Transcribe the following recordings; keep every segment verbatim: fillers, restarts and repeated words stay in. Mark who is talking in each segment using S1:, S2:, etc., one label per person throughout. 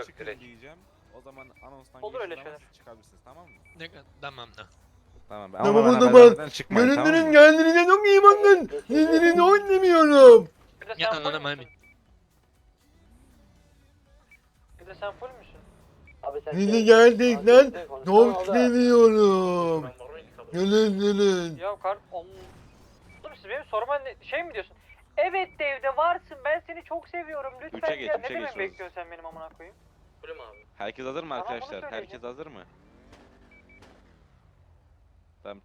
S1: yok
S2: çıkın
S1: direkt.
S2: diyeceğim. O zaman anonstan
S3: Olur öyle
S2: geçtiği zaman
S3: şeyler.
S2: siz çıkabilirsiniz, tamam mı?
S4: Ne tamam da.
S2: Tamam.
S5: Tamam,
S2: Ama
S5: o
S2: bana
S5: zaman.
S2: haber vermeden çıkmayın, tamam
S5: Göründürün
S2: mı?
S5: kendinize çok iyi bakın. Sizleri oynamıyorum.
S3: Bir de
S4: Ya
S3: sen full
S4: anladım
S3: müsün?
S4: abi.
S3: Bir de sen full müsün?
S6: Abi sen
S5: Sizi gerçekten
S6: Konuşsana
S5: çok
S6: orada.
S5: seviyorum. Gelin gelin.
S3: Ya kar... Oğlum siz benim soruma ne, şey mi diyorsun? Evet de evde varsın, ben seni çok seviyorum, lütfen
S2: Üçe geç,
S3: gel.
S2: üçe
S3: Ne demek
S2: geçiyoruz.
S3: bekliyorsun sen benim amına koyayım?
S6: Full mü abi?
S2: Herkes hazır mı
S3: Tamam, bunu
S2: arkadaşlar?
S3: söyleyeceğim.
S2: Herkes hazır mı? Tamam.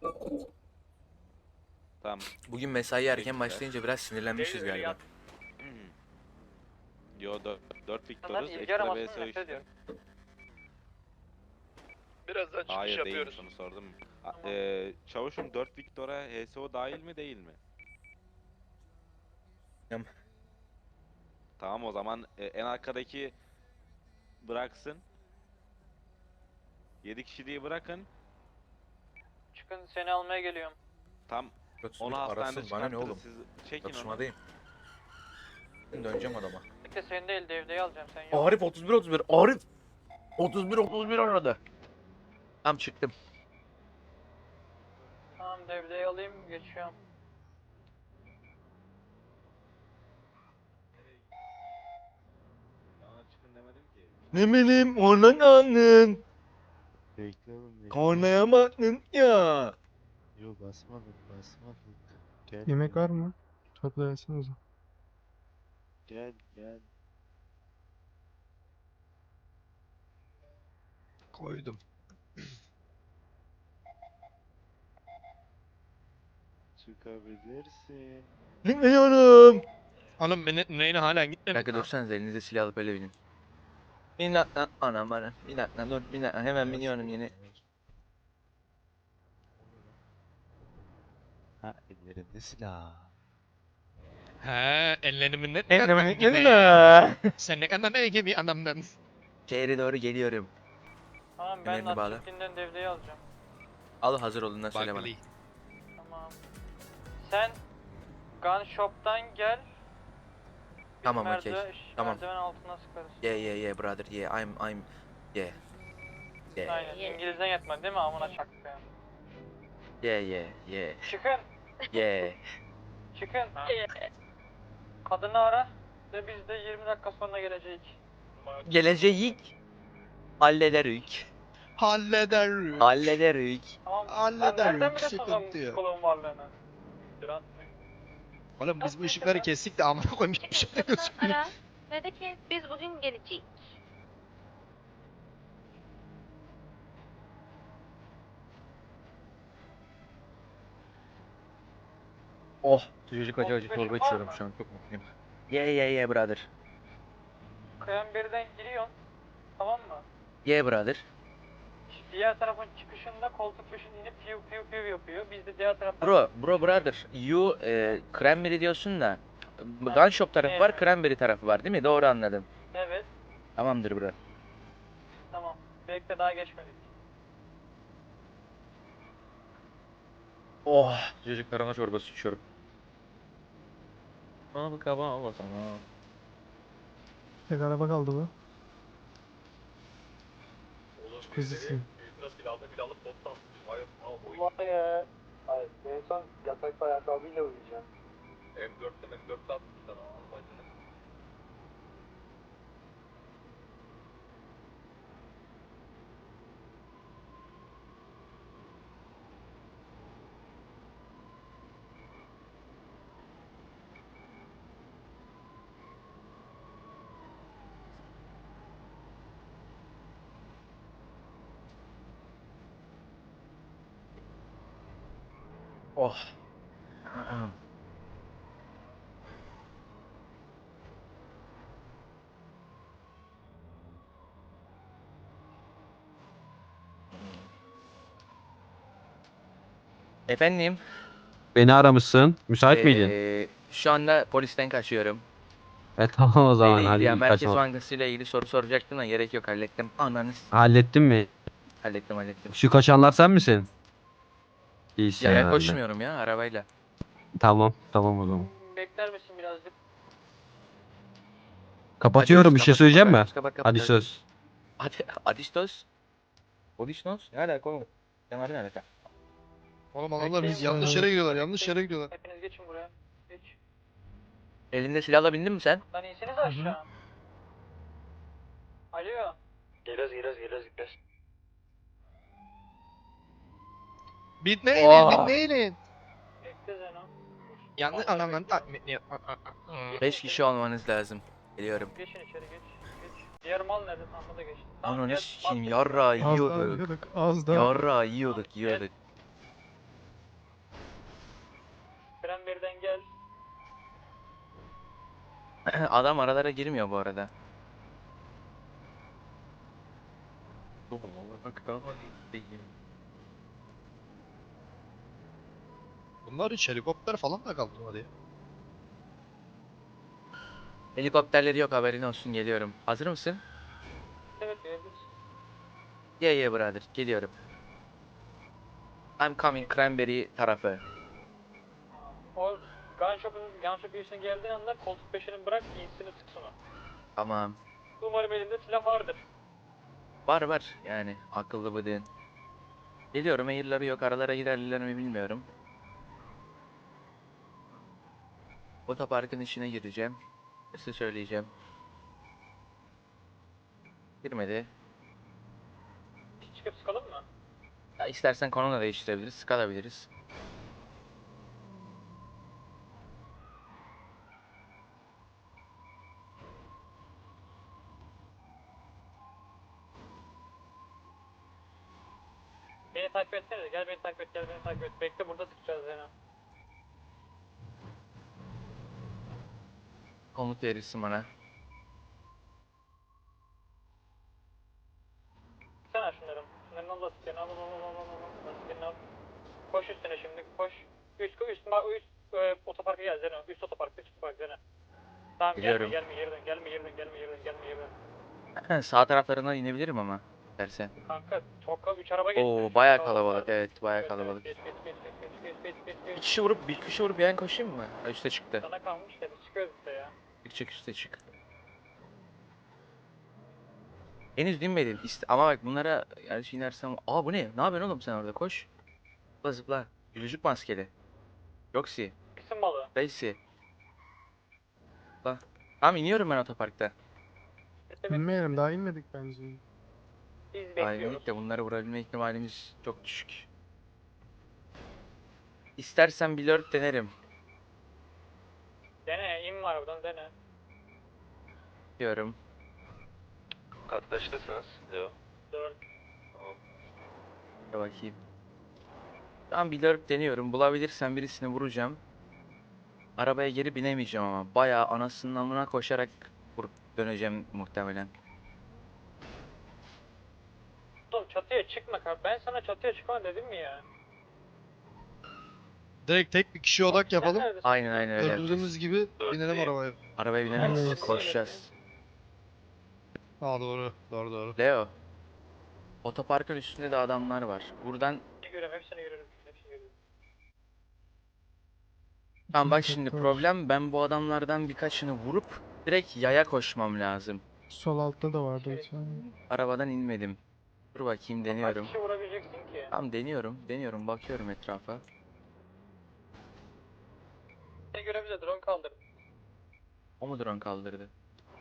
S2: Tamam.
S7: Bugün mesai erken
S2: Teşekkürler.
S7: başlayınca biraz sinirlenmişiz galiba.
S2: Hmm. Yo dört
S3: Senden
S2: Victor'uz.
S3: ilgi
S2: Ekstra
S3: aramasını
S2: V S O
S3: nefret
S2: işte.
S3: ediyorum.
S4: Birazdan çıkış
S2: Hayır değil,
S4: yapıyoruz.
S2: onu sordum. A-
S3: Tamam.
S2: eee, çavuşum dört Victor'a H S O dahil mi değil mi?
S7: Tamam.
S2: Tamam o zaman e, en arkadaki bıraksın. yedi kişiliği bırakın.
S3: Çıkın, seni almaya geliyorum.
S2: Tam
S7: Yoksa
S2: onu
S7: bir
S2: hastanede
S7: arasın bana ne
S2: çıkartırız.
S7: oğlum?
S2: Siz çekin onu.
S7: Çatışmadayım. Ben döneceğim adama.
S3: Bekle, seni değil devdeyi alacağım, sen yok.
S7: Arif otuz bir otuz bir. Arif. otuz bir otuz bir aradı. Tam çıktım.
S3: Tamam, devdeyi alayım, geçiyorum.
S2: Bana çıkın demedim ki.
S5: Ne bileyim ona kaldın.
S8: Bekle oğlum bekle.
S5: Kornaya baktın ya.
S8: Yo basmadık basmadık. Gel
S9: Yemek
S8: gel,
S9: var mı? Tatlı yesenize.
S8: Gel gel.
S4: Koydum.
S8: Çıkabilirsin.
S5: Bilmiyorum.
S4: Oğlum beni neyine hala
S7: Bir
S4: gitmedi.
S7: dakika dursanız elinize silah alıp öyle binin. Bir dakika anam bana. Bir dakika dur bir dakika hemen biniyorum yeni.
S8: Ha ellerinde silah.
S4: He ellerimin ne
S5: Eklemek
S4: gibi.
S5: yerine.
S4: Sen ne kadar iyi bir adamdın.
S7: Şehre doğru geliyorum.
S3: Tamam, ben
S7: Kemerini bağla.
S3: lastikliğinden devdeyi alacağım.
S7: Al hazır olduğundan söyle bana.
S4: Bakli.
S3: Tamam. Sen gun shop'tan gel. Biz
S7: Tamam, okey.
S3: merdiven-
S7: Tamam.
S3: Merdiven altına sıkarız.
S7: Yeah yeah yeah brother yeah I'm I'm yeah. Yeah
S3: Aynen. İngilizden yetmedi değil mi? Amına çaktı.
S7: yeah yeah yeah
S3: Çıkın.
S7: yeah.
S3: Çıkın. Kadını ara. Ve biz de yirmi dakika sonra geleceğiz.
S7: Geleceğik. Hallederük.
S4: Halleder.
S7: Hallederük.
S3: Tamam.
S4: Hallederim,
S3: Sen nereden biliyorsun
S4: sıkıntı
S3: lan
S4: yok.
S3: psikoloğun varlığını? Duran.
S4: Oğlum biz bu ışıkları kestik de amına koyayım hiçbir şey de gözükmüyor.
S10: Ara. Ve de ki biz bugün geleceğiz.
S7: Oh. Sıcacık acı acı
S3: otuz beşin
S7: çorba
S3: var
S7: içiyorum
S3: mı?
S7: şu an çok mutluyum. Yeah yeah yeah brother.
S3: Kayan birden giriyorsun. Tamam mı?
S7: Yeah brother.
S3: Diğer tarafın çıkışında koltuk peşin inip piu piu piu yapıyor. Biz de diğer taraftan...
S7: Bro bro brother you e, cranberry diyorsun da gun shop tarafı var
S3: Evet.
S7: cranberry tarafı var değil mi? Doğru anladım.
S3: Evet.
S7: Tamamdır bro.
S3: Tamam. Bekle, daha geçmedik.
S7: Oh. Sıcacık tarhana çorbası içiyorum. Al kaba al sana.
S9: Tek araba kaldı bu. Çok hızlısın.
S6: Vay ya. Hayır, en son yatakta ayakkabıyla uyuyacağım.
S7: Oh. Efendim?
S11: Beni aramışsın. Müsait miydin?
S7: Ee, şu anda polisten kaçıyorum.
S11: E tamam o zaman
S7: Ee,
S11: hadi
S7: ya
S11: iyi
S7: Merkez
S11: kaçma.
S7: Bankası ile ilgili soru soracaktım da gerek yok hallettim. Ananız.
S11: Hallettin mi?
S7: Hallettim hallettim.
S11: Şu kaçanlar sen misin? İyisin
S7: Ya, ya
S11: herhalde.
S7: koşmuyorum ya arabayla.
S11: Tamam tamam o zaman.
S3: Bekler misin birazcık?
S11: Kapatıyorum. Bir şey
S7: kapat,
S11: söyleyeceğim mi?
S7: kapat, kapat, kapat,
S11: Hadi
S7: kapat.
S11: söz.
S7: Hadi Adistos. Odisnos? Ne alaka oğlum? Sen ne alaka?
S4: Oğlum adamlar biz
S3: Bekleyin
S4: yanlış
S9: burada.
S4: yere gidiyorlar. Yanlış yere gidiyorlar.
S3: Hepiniz geçin buraya. Geç.
S7: Elinde silahla bindin mi sen?
S3: Lan inseniz aşağı. Alo.
S6: Geliyoruz geliyoruz geliyoruz geliyoruz.
S4: Bitmeyin,
S7: Oha.
S4: bitmeyin.
S3: Bekle Zeno.
S4: Yanlış adamların takmitini.
S7: beş kişi olmanız lazım. Geliyorum.
S3: Geçin içeri geç. Geç. Diğer mal nerede? Tamam da geçin. Tamam,
S7: Ananı
S3: gel,
S7: sikeyim
S3: bak.
S7: yarra
S9: Az daha
S7: yiyorduk.
S9: yiyorduk. Az daha.
S7: Yarra yiyorduk yiyorduk.
S3: Fren birden gel.
S7: Adam aralara girmiyor bu arada.
S4: Bunlar hiç helikopter falan da kaldırmadı ya.
S7: Helikopterleri yok, haberin olsun, geliyorum. Hazır mısın?
S3: Evet gelebiliriz.
S7: Yeah yeah brother, geliyorum. I'm coming Cranberry tarafı.
S3: O gun shop'un gun shop girişine geldiğin anda koltuk peşini bırak insini sık sonra.
S7: Tamam.
S3: Umarım elinde silah vardır.
S7: Var var yani akıllı bıdığın. Geliyorum, air'ları yok, aralara girerler mi bilmiyorum. Otoparkın içine gireceğim. Size söyleyeceğim. Girmedi.
S3: Çıkıp sıkalım mı?
S7: Ya istersen konu da değiştirebiliriz, sıkabiliriz.
S3: Beni takip etsene. Gel beni takip et, gel beni takip et. Bekle burada sıkacağız Zeno.
S7: Komut verirsin bana.
S3: Sen şunları. Şunların al lastiklerini al al al al al al. Lastiklerini al. Koş üstüne şimdi koş. Üst üst üst, üst e, otoparka gel Zeno. Üst otopark, üst otopark Zeno. Tamam
S7: Biliyorum.
S3: gelme gelme yerden gelme yerden gelme yerden gelme yerden.
S7: Sağ taraflarından inebilirim ama dersen.
S3: Kanka çok üç araba geçti.
S7: Oo bayağı kalabalık, evet bayağı kalabalık.
S3: Geç geç geç geç geç geç geç
S7: Bir
S3: geç.
S7: kişi vurup bir kişi vurup yan koşayım mı? Ha, üste çıktı.
S3: Sana kalmış ya biz çıkıyoruz işte ya.
S7: Çık çık üste çık. Henüz dinmedin. İşte, ama bak bunlara gerçi inersem... Aa bu ne? Ne yapıyorsun oğlum sen orada? Koş. Zıpla zıpla. Gülücük maskeli. Yoksi.
S3: Kısım balığı.
S7: Daisy. Zıpla. Tamam iniyorum ben otoparkta.
S9: Bilmeyelim, daha inmedik bence.
S3: Biz
S7: Aynen
S3: bekliyoruz.
S7: de bunları vurabilme ihtimalimiz çok düşük. İstersen bir lurk denerim.
S3: Dene in var buradan dene.
S7: Diyorum.
S2: Kaçtasınız? Yok.
S3: Dört.
S7: Bir bakayım. Tamam bir lurk deniyorum. Bulabilirsem birisini vuracağım. Arabaya geri binemeyeceğim ama. Bayağı anasının amına koşarak vurup döneceğim muhtemelen.
S3: Oğlum çatıya çıkma kar. Ben sana çatıya çıkma dedim mi ya?
S4: Direkt tek bir kişi odak yapalım.
S3: Sen neredesin?
S7: Aynen aynen öyle yapacağız.
S4: Gördüğümüz gibi binelim arabaya.
S7: Arabaya binemeyiz.
S9: Evet.
S7: Koşacağız.
S4: Ha doğru. Doğru doğru.
S7: Leo. Otoparkın üstünde de adamlar var. Buradan
S3: Görüyorum hepsini görüyorum. Hepsini görüyorum.
S7: tamam bak
S9: İki
S7: şimdi
S9: doktor.
S7: problem, ben bu adamlardan birkaçını vurup direkt yaya koşmam lazım.
S9: Sol altta da vardı bir tane.
S7: Arabadan inmedim. Dur bakayım, deniyorum.
S3: Kaç kişi vurabileceksin ki?
S7: Tamam deniyorum. Deniyorum. Bakıyorum etrafa.
S3: Seni göre bize drone kaldır.
S7: O mu drone kaldırdı?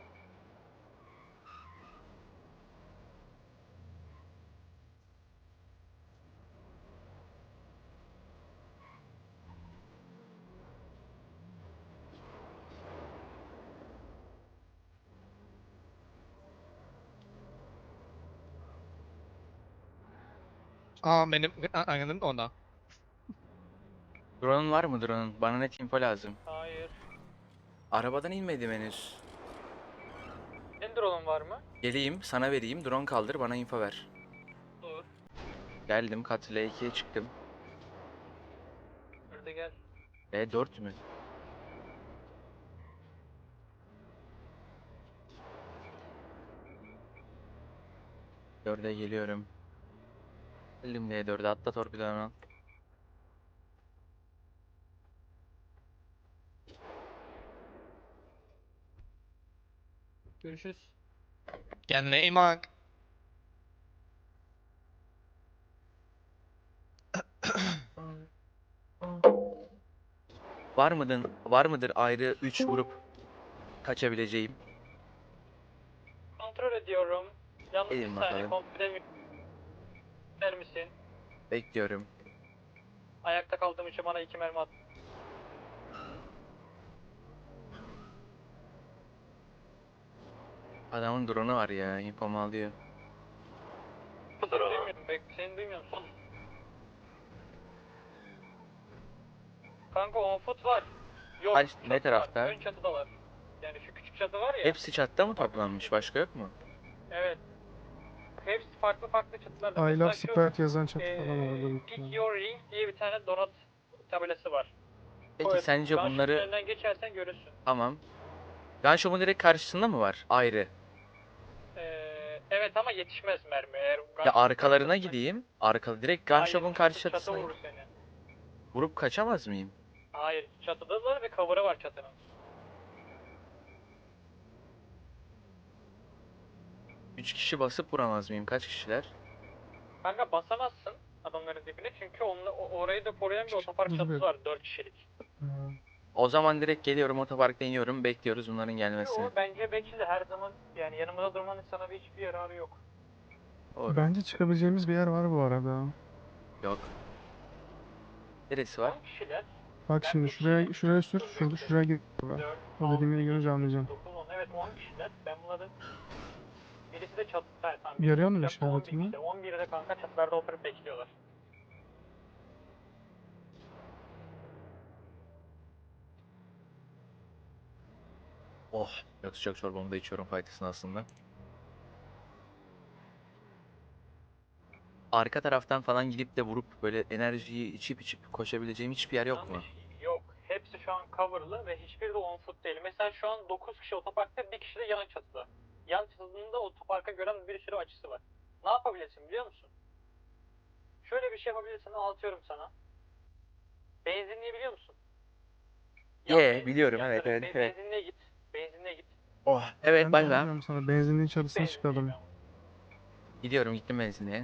S4: Aa benim anladım ona.
S7: Drone'un var mı drone'un? Bana net info lazım.
S3: Hayır.
S7: Arabadan inmedim henüz.
S3: Senin drone'un var mı?
S7: Geleyim sana vereyim. Drone kaldır, bana info ver.
S3: Dur.
S7: Geldim. Kat L ikiye çıktım.
S3: Burada gel.
S7: E dört mü? dörde geliyorum. Geldim L dörde, atla torpidodan al.
S3: Görüşürüz.
S4: Kendine iyi bak.
S7: Var mıdır, var mıdır ayrı üç grup kaçabileceğim?
S3: Kontrol ediyorum. Yalnız
S7: Edin
S3: bir saniye
S7: bakalım.
S3: kontrol edemiyorum. Der misin?
S7: Bekliyorum.
S3: Ayakta kaldığım için bana iki mermi at.
S7: Adamın drone'u var ya, infomu alıyor.
S3: Seni duymuyorum. Bek seni duymuyorum. Son. Kanka on foot var. Yok.
S7: Kaç-
S3: çatı
S7: ne
S3: var,
S7: tarafta?
S3: Ön çatıda var. Yani şu küçük çatı var ya.
S7: Hepsi çatta mı toplanmış? Başka yok mu?
S3: Evet. Hepsi farklı farklı çatılarda.
S9: I
S3: Mesela
S9: love
S3: şu,
S9: Sprite yazan çatı
S3: eee,
S9: falan vardı.
S3: Pick Your Ring diye bir tane donut tabelası var.
S7: Peki
S3: Evet,
S7: sence
S3: Gunshop'un
S7: bunları...
S3: önünden geçersen görürsün.
S7: Tamam. Gunshop'un direkt karşısında mı var? Ayrı.
S3: Ee, evet ama yetişmez mermi. Eğer
S7: Ya
S3: gunshop
S7: arkalarına
S3: karşısında-
S7: gideyim. Arka direkt
S3: Hayır,
S7: Gunshop'un
S3: çatı-
S7: karşı
S3: Çatı
S7: çatısına
S3: vurur seni.
S7: vurup kaçamaz mıyım?
S3: Hayır, çatıdalar ve cover'ı var çatının.
S7: Üç kişi basıp vuramaz mıyım? Kaç kişiler?
S3: Kanka basamazsın adamların dibine çünkü onunla, o- orayı da koruyan bir otopark
S9: Dur,
S3: çatısı
S9: bir-
S3: var dört kişilik.
S7: O zaman direkt geliyorum otoparkta iniyorum. Bekliyoruz bunların gelmesini.
S3: Yo, bence bekle her zaman yani yanımızda durmanın sana bir hiçbir yararı yok.
S7: Doğru.
S9: Bence çıkabileceğimiz bir yer var bu arada.
S7: Yok. Neresi var?
S3: on kişiler,
S9: Bak
S3: Ben
S9: şimdi
S3: bir
S9: şuraya
S3: kişi-
S9: şuraya sür, şurada şuraya git.
S3: dört,
S9: O dediğim yeri görünce anlayacağım.
S3: dokuz, on evet on kişiler. Ben bunların birisi de çatı, ha, tamam.
S9: Yarıyor mu
S3: Çatıda on bir
S9: işaretini?
S3: kişi, on birde kanka çatılarda oturup bekliyorlar.
S7: Oh. Yok sıcak çorbamı da içiyorum faydasını aslında. Arka taraftan falan gidip de vurup böyle enerjiyi içip içip koşabileceğim hiçbir yer yok mu?
S3: Yanlış. Yok. Hepsi şu an coverlı ve hiçbiri de on foot değil. Mesela şu an dokuz kişi otoparkta, bir kişi de yan çatıda. Yan çatısında otoparka gören bir sürü açısı var. Ne yapabilirsin biliyor musun? Şöyle bir şey yapabilirsin, anlatıyorum sana. Benzinliği biliyor musun? Yan
S7: Ye,
S3: benzin-
S7: biliyorum,
S3: yan
S7: evet,
S3: taraf-
S7: evet,
S3: be-
S7: evet.
S3: Benzinliğe git. Benzinliğe git.
S7: Oh. Evet
S9: Ben
S7: bak
S9: de
S7: ben.
S9: diyorum sana benzinliğin çatısına
S3: Benzinliğe
S9: çıkalım.
S3: ben.
S7: Gidiyorum gittim benzinliğe.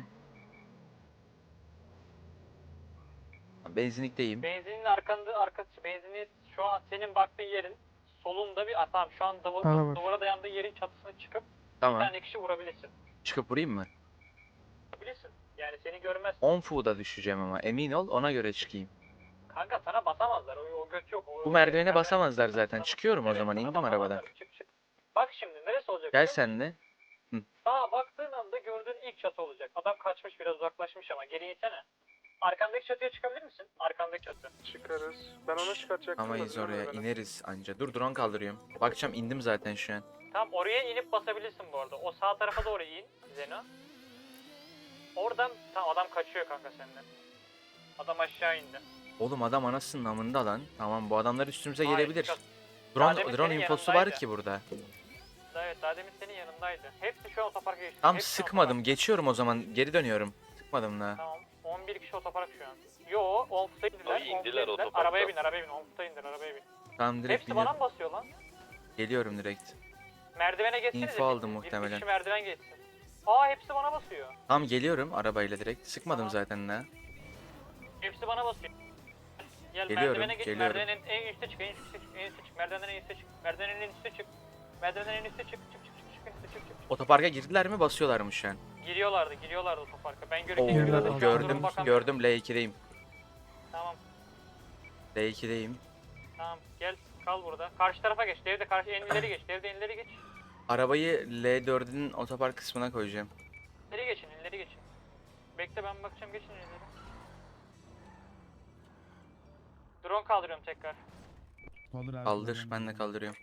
S7: Benzinlikteyim.
S3: Benzinin arkanda, arkası benzinliği şu an senin baktığın yerin solunda bir, ah, tamam şu an duva-
S9: Bana bak.
S3: duvara dayandığı yerin çatısına çıkıp bir
S7: Tamam.
S3: tane kişi vurabilirsin.
S7: Çıkıp vurayım mı?
S3: Vurabilirsin. Yani seni görmez.
S7: on foot'a düşeceğim ama emin ol ona göre çıkayım.
S3: Kanka sana basamazlar. O, o göt yok. O,
S7: Bu
S3: o-
S7: merdivene
S3: merdiven-
S7: basamazlar zaten. Çıkıyorum o
S3: Evet,
S7: zaman
S3: sana
S7: indim
S3: basamazlar.
S7: arabadan.
S3: Çık çık. Bak şimdi neresi olacak?
S7: Gel
S3: biliyor musun?
S7: sen de.
S3: Sağa baktığın anda gördüğün ilk çatı olacak. Adam kaçmış, biraz uzaklaşmış ama geri insene. Arkandaki çatıya çıkabilir misin? Arkandaki çatı.
S9: Çıkarız. Ben onu çıkartacaktım.
S7: Amayız oraya ineriz anca. Dur drone kaldırıyorum. Bakacağım indim zaten şu an.
S3: Tamam, oraya inip basabilirsin bu arada. O sağ tarafa doğru in Zeno. Oradan tamam, adam kaçıyor kanka senden. Adam aşağı indi.
S7: Oğlum adam anasının amında lan. Tamam bu adamlar üstümüze
S3: Hayır,
S7: gelebilir.
S3: çıkar. Daha
S7: Drone,
S3: demin
S7: drone
S3: senin
S7: infosu var
S3: yanındaydı.
S7: ki burada.
S3: Evet, daha demin senin yanındaydı. Hepsi şu an otoparka geçti.
S7: Tam
S3: Hepsi
S7: sıkmadım.
S3: otopark.
S7: Geçiyorum o zaman. Geri dönüyorum. Sıkmadım da.
S3: Tamam. on bir kişi otopark şu an. Yo, on foot'a indiler.
S2: Ay,
S3: on foot'a
S2: indiler
S3: indiler.
S2: otoparkta.
S3: Arabaya bin, arabaya bin. on foot'a indir, arabaya bin.
S7: Tamam direkt
S3: Hepsi bana
S7: biniyorum.
S3: mı basıyor lan?
S7: Geliyorum direkt.
S3: Merdivene geçsenize.
S7: İnfo aldım
S3: bir-
S7: muhtemelen.
S3: Bir kişi merdiven geçsin. Aa, hepsi bana basıyor.
S7: Tamam geliyorum arabayla direkt. Sıkmadım
S3: Tamam.
S7: zaten da.
S3: Hepsi bana basıyor. Gel
S7: Geliyorum,
S3: merdivene geç,
S7: geliyorum.
S3: merdivenin en üstte çık, en üstte çık, en üstte çık, merdivenden en üstte çık, merdivenden en üstte çık, merdivenden en üstte çık, çık, çık, çık, çık, çık, çık, çık.
S7: Otoparka girdiler mi basıyorlar mı şu an?
S3: Giriyorlardı, giriyorlardı otoparka. Ben
S7: Oo,
S3: görünce
S9: Girdiler,
S3: giriyorlardı.
S9: aldım.
S3: Şu an
S7: gördüm
S3: durum bakan-
S7: gördüm L ikideyim.
S3: Tamam,
S7: L ikideyim.
S3: tamam. Gel, kal burada. Karşı tarafa geç, devde karşı en ileri geç, devde en ileri geç.
S7: Arabayı L dördün otopark kısmına koyacağım.
S3: İleri geçin, ileri geçin. Bekle, ben bakacağım, geçin ileri. Drone kaldırıyorum tekrar.
S7: Kaldır ben de kaldırıyorum.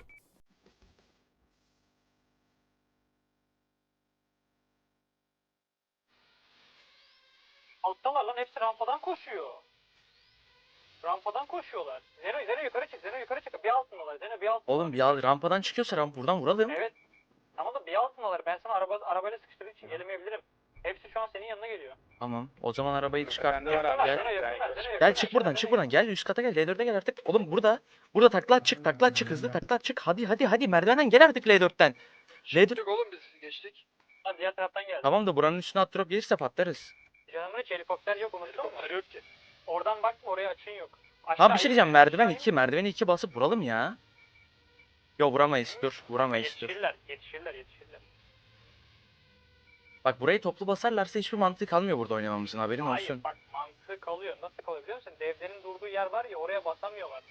S3: Alttalar lan, hepsi rampadan koşuyor. Rampadan koşuyorlar. Zeno, Zeno yukarı çık, Zeno yukarı çık. Bir altındalar, Zeno bir altındalar.
S7: Oğlum bir al- rampadan çıkıyorsa ramp buradan vuralım.
S3: Evet. Tamam da bir altındalar. Ben sana araba, arabayla sıkıştırdığım için gelemeyebilirim. Hepsi şu an senin yanına geliyor.
S7: Tamam. O zaman arabayı çıkart.
S2: Bende var
S3: Yakın
S2: abi.
S3: ver,
S7: Gel.
S3: şuna yakın ver, şuna yakın
S7: Gel
S3: ver,
S7: çık
S3: şuna
S7: buradan,
S3: yakın
S7: çık
S3: ver.
S7: buradan. Gel üst kata gel. L dörde gel artık. Oğlum burada. Burada takla at çık, takla at çık hızlı takla at çık. Hadi hadi hadi merdivenden gel artık L dörtten. L dört.
S6: oğlum biz geçtik.
S3: Ha, diğer taraftan geldi.
S7: Tamam da buranın üstüne at drop gelirse patlarız.
S3: Canımın hiç helikopter yok, unuttun mu? Yok ki. Oradan bakma, oraya açın yok.
S7: Tamam bir şey diyeceğim. Merdiven
S3: aşağı in.
S7: iki, merdiveni iki basıp vuralım ya. Yo vuramayız. Dur, vuramayız dur.
S3: Yetişirler, yetişirler, yetişirler.
S7: Bak burayı toplu basarlarsa hiçbir mantığı kalmıyor burada oynamamızın, haberin
S3: Hayır,
S7: olsun.
S3: bak mantığı kalıyor. Nasıl kalıyor biliyor musun? Devlerin durduğu yer var ya, oraya basamıyorlar.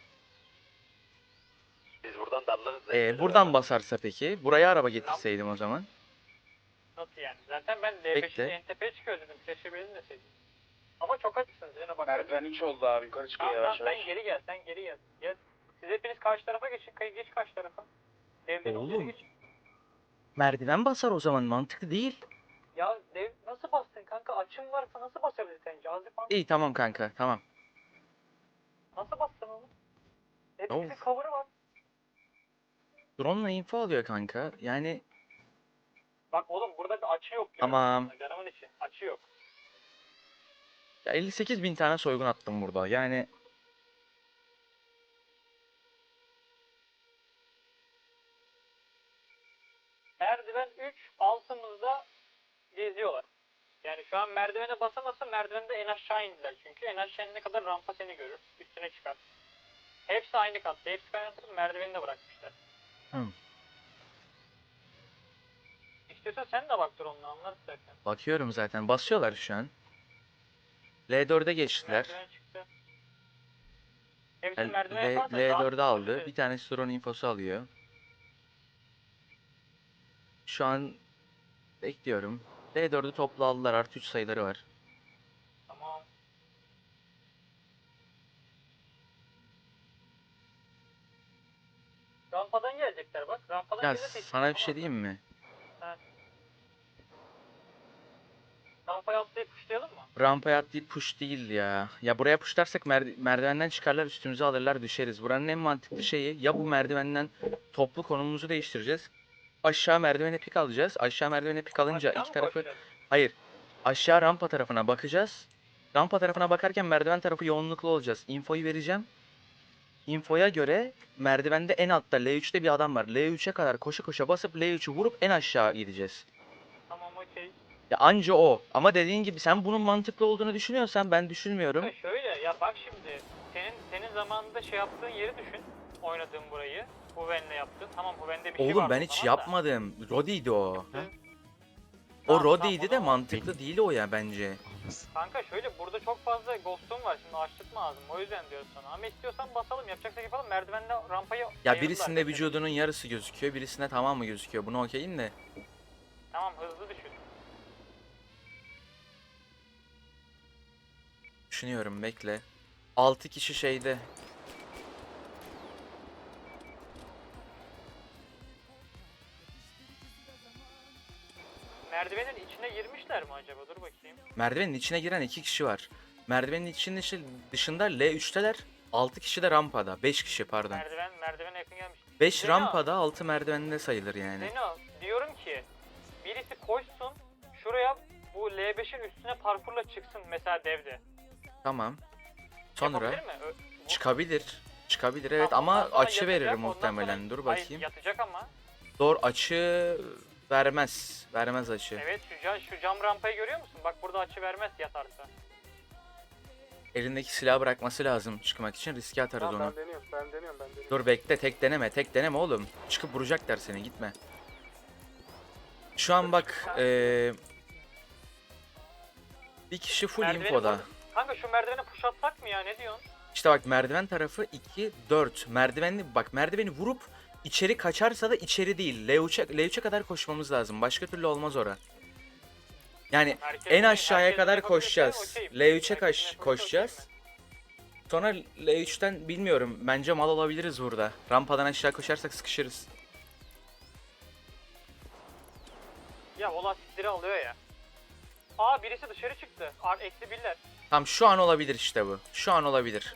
S6: Biz buradan dallarız.
S7: Ee, buradan basarsa peki? Buraya araba getirseydim o zaman.
S3: Nasıl yani? Zaten ben L beşin
S7: Bekle.
S3: en tepeye çıkıyor dedim. Keşke benim deseydim. Ama çok açsınız yine bak.
S6: Merdiven üç oldu abi yukarı çıkıyor
S3: Tamam,
S6: yavaş
S3: tamam,
S6: yavaş.
S3: sen geri gel, sen geri gel. Gel. Siz hepiniz karşı tarafa geçin. Kayı geç karşı tarafa. Devlerin
S7: Oğlum.
S3: olduğu geç.
S7: Merdiven basar o zaman, mantıklı değil.
S3: Ya dev nasıl bastın kanka? Açım varsa nasıl basabilir sence? Azif abi
S7: İyi tamam kanka, tamam.
S3: nasıl bastın oğlum? Hepimizin
S7: Of.
S3: cover'ı var.
S7: Drone'la info alıyor kanka. Yani
S3: Bak oğlum burada bir açı yok. diyorum
S7: Tamam.
S3: sana, Canımın içi. Açı yok.
S7: ya elli sekiz bin tane soygun attım burada. Yani
S3: Merdiven üç altımızda geziyorlar. Yani şu an merdivene basamasa merdivende en aşağı indiler. Çünkü en aşağı inene kadar rampa seni görür. Üstüne çıkar. Hepsi aynı katta. Hepsi kaynatıp merdiveni de bırakmışlar.
S7: Hı.
S3: İstiyorsan sen de bak dur onunla anlar istersen.
S7: bakıyorum zaten, basıyorlar şu an. L dörde geçtiler.
S3: Merdiven çıktı. Hepsi
S7: L,
S3: merdivene
S7: L,
S3: yaparsa
S7: L
S3: daha
S7: dörde aldı.
S3: hızlı.
S7: Bir tanesi drone infosu alıyor. Şu an bekliyorum. L dördü toplu aldılar. Artı üç sayıları var.
S3: Tamam. Rampadan gelecekler bak. Rampadan
S7: Ya
S3: gelirse hiç
S7: sana bir
S3: çıkamaz.
S7: şey diyeyim mi?
S3: Rampaya atlayıp kuşlayalım mı?
S7: Rampaya atlayıp push değil ya. Ya buraya pushlarsak mer- merdivenden çıkarlar, üstümüze alırlar, düşeriz. Buranın en mantıklı şeyi, ya bu merdivenden toplu konumumuzu değiştireceğiz. Aşağı merdivene pik alacağız. Aşağı merdivene pik alınca
S3: Aşağı
S7: iki
S3: mı
S7: tarafı...
S3: koşacağız?
S7: Hayır. Aşağı rampa tarafına bakacağız. Rampa tarafına bakarken merdiven tarafı yoğunluklu olacağız. Infoyu vereceğim. Infoya göre merdivende en altta L üçte bir adam var. L üçe kadar koşa koşa basıp L üçü vurup en aşağı gideceğiz.
S3: Tamam okey.
S7: Ya anca o. Ama dediğin gibi sen bunun mantıklı olduğunu düşünüyorsan ben düşünmüyorum.
S3: Ya şöyle ya bak şimdi senin senin zamanında şey yaptığın yeri düşün. Oynadığın burayı. Huven'le yaptın. Tamam Huven'de bir şey
S7: Oğlum
S3: vardı
S7: ben
S3: o
S7: hiç
S3: zaman da.
S7: yapmadım. Rodi'ydi o.
S3: Tamam,
S7: O
S3: tamam,
S7: Rodi'ydi
S3: o
S7: de
S3: zaman-
S7: mantıklı değil o ya bence.
S3: Kanka şöyle burada çok fazla ghost'um var şimdi açtırma lazım o yüzden diyorum sana. Ama istiyorsan basalım yapacaksak yapalım merdivenle rampayı
S7: Ya
S3: ayırdılar
S7: birisinde
S3: mesela.
S7: vücudunun yarısı gözüküyor, birisinde tamamı gözüküyor. Bunu okeyim de.
S3: Tamam hızlı düşün.
S7: Düşünüyorum bekle. altı kişi şeyde.
S3: Merdivenin içine girmişler mi acaba dur bakayım.
S7: Merdivenin içine giren iki kişi var. Merdivenin içinde dışı- dışında L üçteler. altı kişi de rampada. beş kişi pardon.
S3: Merdiven merdivene yakın gelmiş.
S7: beş
S3: Zeno,
S7: rampada, altı merdivende sayılır yani.
S3: Zeno diyorum ki birisi koşsun şuraya bu L beşin üstüne parkurla çıksın mesela devde.
S7: Tamam. Sonra
S3: Yapabilir mi? Ö- bu-
S7: çıkabilir. Çıkabilir evet
S3: Tamam,
S7: ama
S3: ondan sonra
S7: açı
S3: yatacak,
S7: verir
S3: ondan
S7: muhtemelen.
S3: sonra-
S7: Dur
S3: Hayır,
S7: bakayım.
S3: yatacak ama.
S7: Doğru açı vermez. Vermez açı.
S3: Evet şu, ca- şu cam rampayı görüyor musun? Bak burada açı vermez yatarsa.
S7: Elindeki silahı bırakması lazım çıkmak için, riske atarız
S9: Tamam,
S7: onu.
S9: ben deniyorum, ben deniyorum, ben deniyorum.
S7: Dur bekle, tek deneme, tek deneme oğlum. Çıkıp vuracaklar seni, gitme. Şu an bak eee bir kişi full
S3: Merdiveni
S7: infoda.
S3: vurdum. Kanka şu merdivene push atsak mı ya ne diyorsun?
S7: İşte bak merdiven tarafı iki dört. Merdivenli bak merdiveni vurup içeri kaçarsa da içeri değil. L üçe L üçe kadar koşmamız lazım. Başka türlü olmaz ora. Yani
S3: Herkes
S7: en
S3: bunu-
S7: aşağıya
S3: herkes bunu
S7: kadar
S3: yapabilirse
S7: koşacağız.
S3: okeyim.
S7: L üçe
S3: Herkes bunu
S7: kaç
S3: yapabilirse
S7: koşacağız.
S3: okeyim
S7: Sonra L üçten bilmiyorum. Bence mal olabiliriz burada. Rampadan aşağı koşarsak sıkışırız.
S3: ben. Ya o lastikleri alıyor ya. Aa birisi dışarı çıktı. Ar eksi birler.
S7: Tam şu an olabilir işte bu. Şu an olabilir.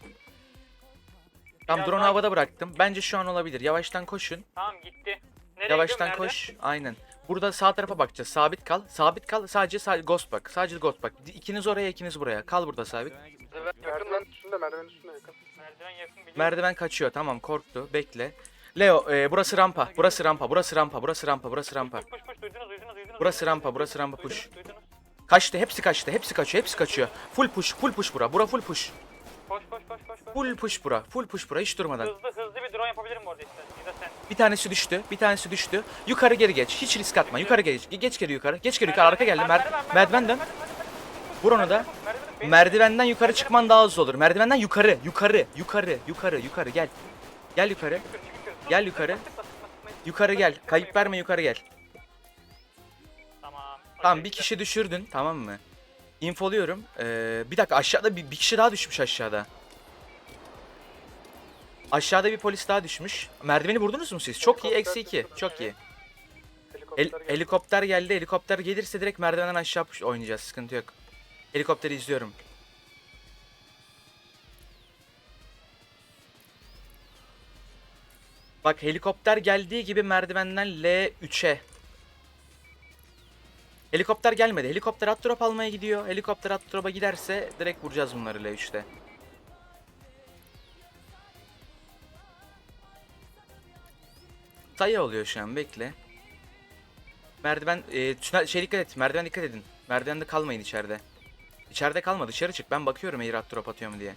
S7: Tam
S3: Biraz
S7: drone
S3: daha-
S7: havada bıraktım. Bence şu an olabilir. Yavaştan koşun.
S3: Tamam gitti. Nereye
S7: Yavaştan
S3: gidiyor, nerede?
S7: koş. Aynen. Burada sağ tarafa bakacağız. Sabit kal. Sabit kal. Sadece sa ghost bak. Sadece ghost bak. İkiniz oraya, ikiniz buraya. Kal burada sabit.
S9: Merdiven üstünde, merdiven üstünde yakın.
S3: Merdiven yakın biliyorum.
S7: Merdiven kaçıyor. Tamam, korktu. Bekle. Leo, e, burası rampa. Burası rampa. Burası rampa. Burası rampa. Burası rampa.
S3: Push push push duydunuz duydunuz duydunuz.
S7: Burası rampa. Burası rampa. Push.
S3: Duydunuz, duydunuz.
S7: Kaçtı. Hepsi kaçtı. Hepsi kaçıyor. Hepsi kaçıyor. Full push. Full push bura. Bura full push.
S3: Koş koş koş koş koş.
S7: Full push bura. Full push bura. Hiç durmadan.
S3: Hızlı hızlı bir drone yapabilirim orada işte. Ya da sen.
S7: Bir tanesi düştü. Bir tanesi düştü. Yukarı geri geç. Hiç risk atma. Yukarı geç. Geç geri yukarı. Geç geri yukarı. Arka geldi. Mer merdiven dön. Vur onu da. Merdivenden yukarı çıkman daha hızlı olur. Merdivenden yukarı. Yukarı. Yukarı. Yukarı. Yukarı. Gel. Gel yukarı. Gel yukarı. Yukarı gel. Kayıp verme, yukarı gel.
S3: Tamam.
S7: Tamam, bir kişi düşürdün. Tamam mı? İnfoluyorum. Ee, bir dakika, aşağıda bir, bir kişi daha düşmüş aşağıda. Aşağıda bir polis daha düşmüş. Merdiveni vurdunuz mu siz? Çok iyi. Eksi iki. Çok iyi. El, helikopter geldi. Helikopter gelirse direkt merdivenden aşağı push- oynayacağız. Sıkıntı yok. Helikopteri izliyorum. Bak, helikopter geldiği gibi merdivenden L üçe. Helikopter gelmedi. Helikopter at drop almaya gidiyor. Helikopter at drop'a giderse direkt vuracağız bunları L üçte. Sayı oluyor şu an, bekle. Merdiven e, tünel, şey dikkat et. Merdiven dikkat edin. Merdivende kalmayın içeride. İçeride kalma, dışarı çık. Ben bakıyorum eğer at drop atıyor mu diye.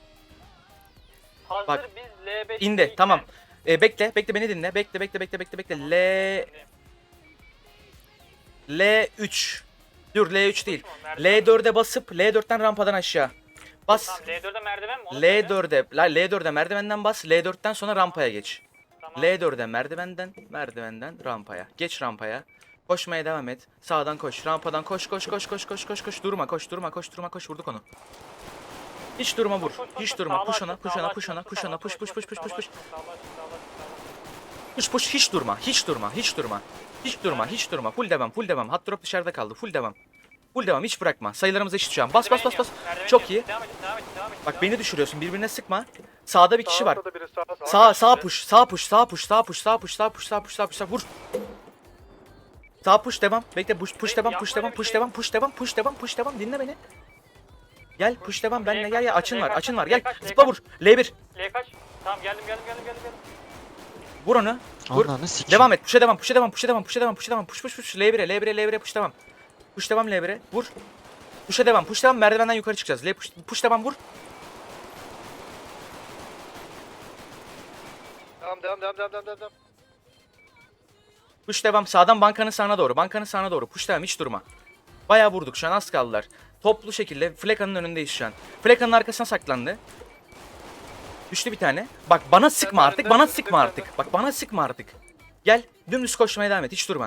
S3: Hazır
S7: Bak,
S3: biz L beş.
S7: İndi. Tamam. E, bekle. Bekle, beni dinle. Bekle bekle bekle bekle bekle. L L üç. Dur, L üç değil. L dörde basıp L dörtten rampadan aşağı. Bas.
S3: Tamam, L dörde merdiven mi? Onu
S7: L
S3: söyle.
S7: dörde. La L dörde merdivenden bas. L dörtten sonra rampaya geç.
S3: Tamam.
S7: L dörde merdivenden, merdivenden rampaya. Geç rampaya. Koşmaya devam et. Sağdan koş. Rampadan koş koş koş koş koş koş koş. Durma, koş durma, koş durma, koş. Vurduk onu. Hiç durma, vur. Hiç durma. Push ona, push ona, push ona, push ona, push push push push push push. Push push, hiç durma. Hiç durma. Hiç durma. Hiç durma. Hiç durma. Full devam. Full devam. Hot drop dışarıda kaldı. Full devam. Full devam. Hiç bırakma. Sayılarımız eşit şu an. Bas bas bas bas. Çok iyi. Bak, beni düşürüyorsun. Birbirine sıkma. Sağda bir kişi var.
S9: Sağda da biri, sağ, sağ.
S7: Sağ sağ push. Sağ push. Sağ push. Sağ push. Sağ push. Sağ push. Sağ push. Sağ push. Sağ vur. Sağ push devam. Bekle, push push devam. Push devam. Push devam. Push devam. Push devam. Push devam. Dinle beni. Gel push devam. Benle gel ya. Açın var. Açın var. Gel. Zıpla vur. L bir.
S3: L kaç? Tamam, geldim geldim geldim geldim. geldim.
S7: Vur onu. Vur.
S8: Ananı sikeyim.
S7: Devam et. Push'a devam. Push'a devam. Push'a devam. Push'a devam. Push'a devam. Push push push. L bire. L bire. L bire. Push devam. Push devam L bire. Vur. Push'a devam. Push devam. Merdivenden yukarı çıkacağız. L push. Push devam, vur.
S6: Devam devam devam devam devam devam.
S7: Push devam. Sağdan bankanın sağına doğru. Bankanın sağına doğru. Push devam. Hiç durma. Bayağı vurduk. Şu an az kaldılar. Toplu şekilde Fleka'nın önündeyiz şu an. Fleka'nın arkasına saklandı. Düştü bir tane. Bak, bana sıkma artık. Bana sıkma artık. Bak, bana sıkma artık. Gel. Dümdüz koşmaya devam et. Hiç durma.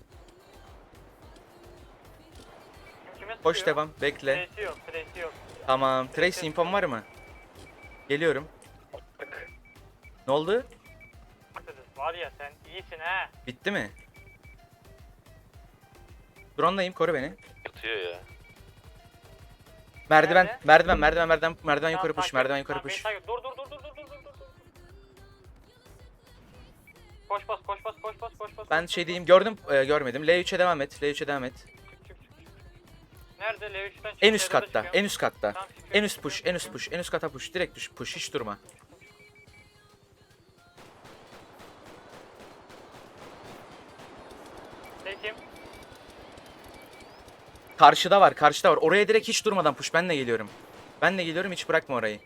S3: Kime
S7: Koş
S3: sıkıyor?
S7: devam. Bekle.
S3: Trace'i yok, trace'i yok.
S7: Tamam. Trace infom var mı? Geliyorum. Ne oldu?
S3: Var ya, sen iyisin ha.
S7: Bitti mi? Drone'dayım. Koru beni.
S2: Yatıyor ya.
S7: Merdiven.
S3: Nerede?
S7: Merdiven. Merdiven. Merdiven. Merdiven
S3: Tamam,
S7: yukarı push.
S3: takip-
S7: Merdiven yukarı
S3: tamam, beni
S7: push.
S3: takip- Dur dur dur dur dur dur dur dur. Koş bas koş bas koş bas koş bas.
S7: Ben
S3: koş,
S7: şey
S3: koş,
S7: diyeyim. Gördüm. e, görmedim. L üçe devam et. L üçe devam et.
S3: çık, çık, çık, çık, çık. Nerede L üçten çık?
S7: En üst
S3: L dörde
S7: katta.
S3: çıkıyor.
S7: En üst katta.
S3: Tamam, çıkıyor,
S7: En üst
S3: çıkıyor,
S7: push. En üst
S3: çıkıyor.
S7: push. En üst kata push. Direkt düş. Push. Hiç durma.
S3: Peki.
S7: Karşıda var. Karşıda var. Oraya direkt hiç durmadan push. Ben de geliyorum. Ben de geliyorum. Hiç bırakma orayı.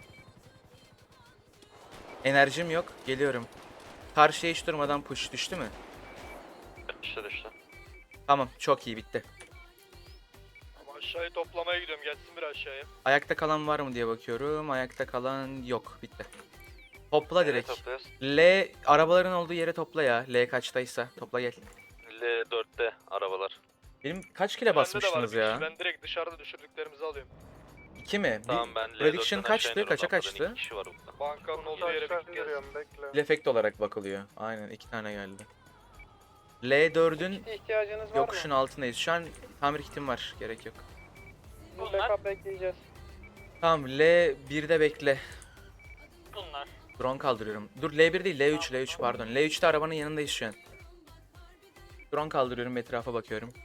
S7: Enerjim yok. Geliyorum. Karşıya hiç durmadan push. Düştü mü?
S2: Düştü düştü.
S7: Tamam. Çok iyi. Bitti.
S6: Ama aşağıyı toplamaya gidiyorum. Gelsin bir aşağıya.
S7: Ayakta kalan var mı diye bakıyorum. Ayakta kalan yok. Bitti. Topla direkt.
S2: Topluyoruz.
S7: L arabaların olduğu yere topla ya. L kaçtaysa. Topla gel.
S2: L dörtte arabalar.
S7: Benim kaç kile basmıştınız ya?
S6: Ben direkt dışarıda düşürdüklerimizi alıyorum.
S7: iki mi? Bir-
S2: Tamam, ben L
S7: Prediction
S2: dörtten aşağı
S7: kaçtı?
S2: iniyorum.
S7: Kaça
S2: Rampadan
S7: kaçtı?
S2: iki kişi var burada.
S6: Bankanın olduğu
S9: Aşağı
S6: yere bir gelsin.
S9: indiriyorum, bekle.
S7: Efekt olarak bakılıyor. Aynen, iki tane geldi. L dördün
S6: İhtiyacınız var
S7: yokuşun altındayız. Şu an tamir kitim var. Gerek yok.
S6: mı?
S3: Bunlar.
S6: Backup bekleyeceğiz.
S7: Tamam, L birde bekle.
S3: Bunlar.
S7: Drone kaldırıyorum. Dur, L bir değil, L üç, L üç pardon. L üçte arabanın yanındayız şu an. Drone kaldırıyorum, etrafa bakıyorum.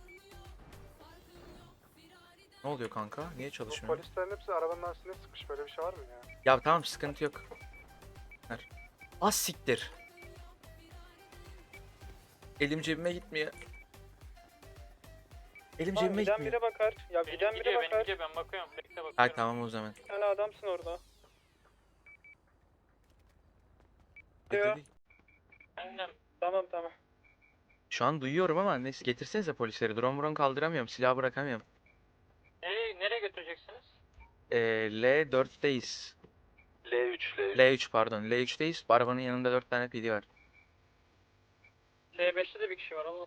S7: Ne oluyor kanka? Niye
S9: Bu
S7: çalışmıyor?
S9: polislerin hepsi arabanın arasında sıkmış. Böyle bir şey var mı ya?
S7: Ya tamam, sıkıntı yok. Ver. Az siktir. Elim cebime gitmiyor. Elim cebime
S6: giden
S7: gitmiyor.
S6: bire bakar. Ya
S3: Benim
S6: giden bire
S3: gidiyor, benim
S6: bakar.
S3: gidiyor. Ben bakıyorum. Bekle bakıyorum.
S7: Hay tamam o zaman.
S6: Bir tane adamsın orada.
S7: Hadi,
S6: Yok.
S7: hadi.
S3: Aynen.
S6: Tamam tamam.
S7: Şu an duyuyorum ama neyse, getirsenize polisleri. Drone drone kaldıramıyorum. Silah bırakamıyorum.
S3: Nereye, nereye götüreceksiniz?
S7: Ee, L dörtteyiz.
S2: L üç, L üç.
S7: L üç pardon. L üçteyiz. Arabanın yanında dört tane P D var.
S3: L beşte de bir kişi var oğlum.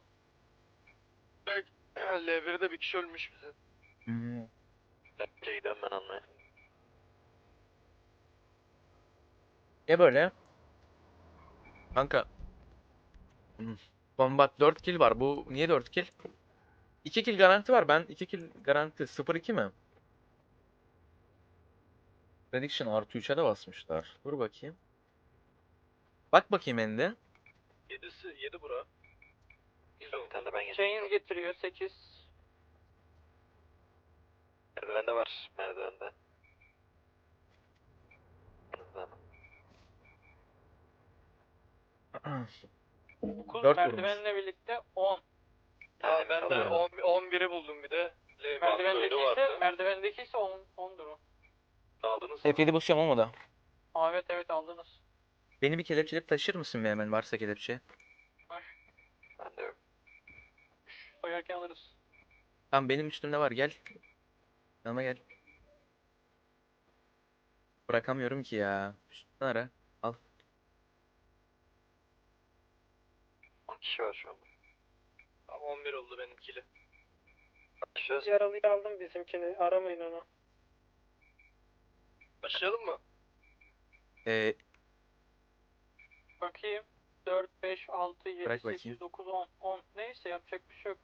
S9: L birde bir kişi ölmüş bize.
S7: Hmm.
S2: Bence giden ben anlayayım.
S7: Ne böyle? Kanka. Hmm. Combat dört kill var. Bu niye dört kill? iki kill garanti var. Ben iki kill garanti. sıfır iki mi? Prediction artı üçe de basmışlar. Dur bakayım. Bak bakayım ende.
S2: yedisi, yedi bura. Bir tane de ben geçtim.
S3: Chains getiriyor sekiz.
S2: Merdivende var, merdivende.
S3: dokuz
S7: Dört
S3: merdivenle birlikte on.
S2: Ha, ben de
S9: on biri buldum bir de.
S3: Merdivendeki ise, merdivendeki ise on, ondur o.
S2: aldınız.
S7: F yedi basıyorum olmadı.
S3: Aa, evet evet aldınız.
S7: Beni bir kelepçeleyip taşır mısın bir hemen, varsa kelepçe?
S2: Ben de yok.
S3: Soyarken alırız.
S7: Tamam, benim üstümde var, gel. Yanıma gel. Bırakamıyorum ki ya. Üstünden ara. Al.
S2: on kişi var şu an.
S9: on bir oldu benimkili.
S2: Başlıyoruz.
S6: Yaralıyı aldım bizimkini. Aramayın onu.
S9: Başlayalım mı?
S7: Ee,
S3: Bakayım. dört, beş, altı, yedi,
S7: Bırak bakayım.
S3: sekiz, dokuz, on. on. Neyse yapacak bir şey yok.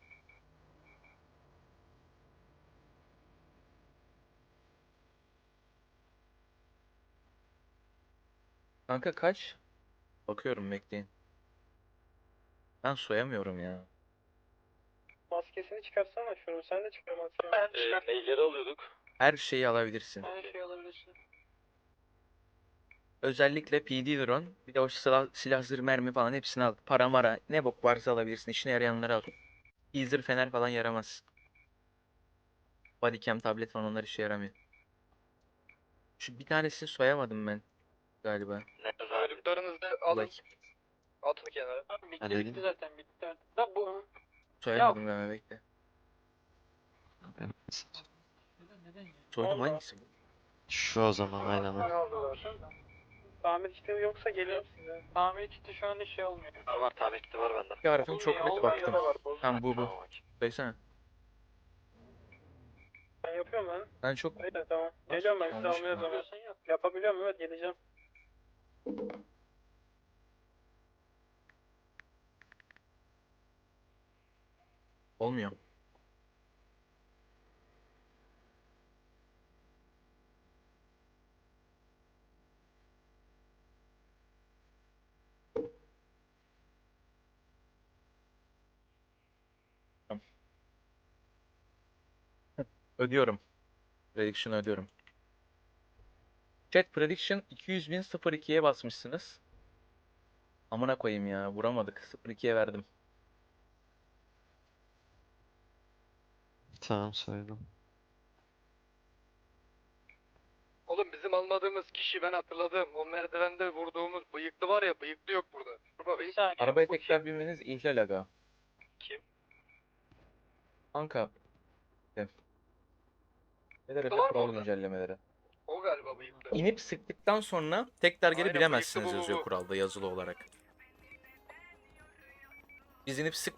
S7: kanka kaç? Bakıyorum, bekleyin. Ben soyamıyorum ya.
S6: Maskesini çıkarsana şunu. Sen de çıkar maskeni.
S3: Ben
S2: Ee, neyleri alıyorduk?
S7: Her şeyi alabilirsin.
S3: Her şey alabilirsin.
S7: Özellikle P D drone, bir de o silah, silah zırh, mermi falan hepsini al. Para mara, ne bok varsa alabilirsin. İşine yarayanları al. Teaser, fener falan yaramaz. Bodycam, tablet falan, onlar işe yaramıyor. Şu bir tanesini soyamadım ben galiba.
S9: Çocuklarınızı
S7: Dur bakayım.
S9: atın kenara.
S3: Tamam, bitti
S8: Ben
S3: bitti
S8: dedim.
S3: zaten bitti artık. Da bu.
S7: Soyamadım galiba, bekle.
S8: Ben-
S3: Neden ya?
S7: Soydum,
S6: Allah.
S7: hangisi?
S8: Şu o zaman aynen.
S6: Ne aldılar? Tamir kiti yoksa geliyorum size.
S3: Tamir kiti şu an şey olmuyor.
S2: Var var, tamir kiti var bende.
S7: Bir harfim çok
S3: Olmuyor,
S7: net
S3: olmuyor
S7: baktım.
S6: da var, bozuk.
S7: Tamam, bu bu.
S2: Tamam, okey.
S7: Söylesene.
S6: Ben yapıyorum ben.
S7: Ben çok...
S6: Öyle tamam. Geliyorum ben size
S7: Yanlış
S6: almaya
S7: mı?
S6: zaman.
S3: Yapıyorsan yap.
S6: Yapabiliyorum evet geleceğim.
S7: Olmuyor. Tamam. Ödüyorum. Prediction ödüyorum. Chat prediction iki yüz bin sıfır ikiye basmışsınız. Amına koyayım ya, vuramadık. sıfır ikiye verdim.
S8: Tamam söyledim.
S9: Oğlum bizim almadığımız kişi ben hatırladım. O merdivende vurduğumuz bıyıklı var ya, bıyıklı yok burada. Baba
S3: Bir saniye.
S7: Arabaya
S3: bu
S7: tekrar binmeniz ihlal aga.
S2: Kim?
S7: Kanka. Gel. Neler
S9: Var mı
S7: yapıyor kural
S9: orada?
S7: güncellemeleri.
S9: o galiba bıyıklı.
S7: İnip sıktıktan sonra tekrar geri
S9: Aynen,
S7: bilemezsiniz
S9: bıyıklı bu, bu,
S7: yazıyor
S9: bu.
S7: kuralda, yazılı olarak. Biz inip sık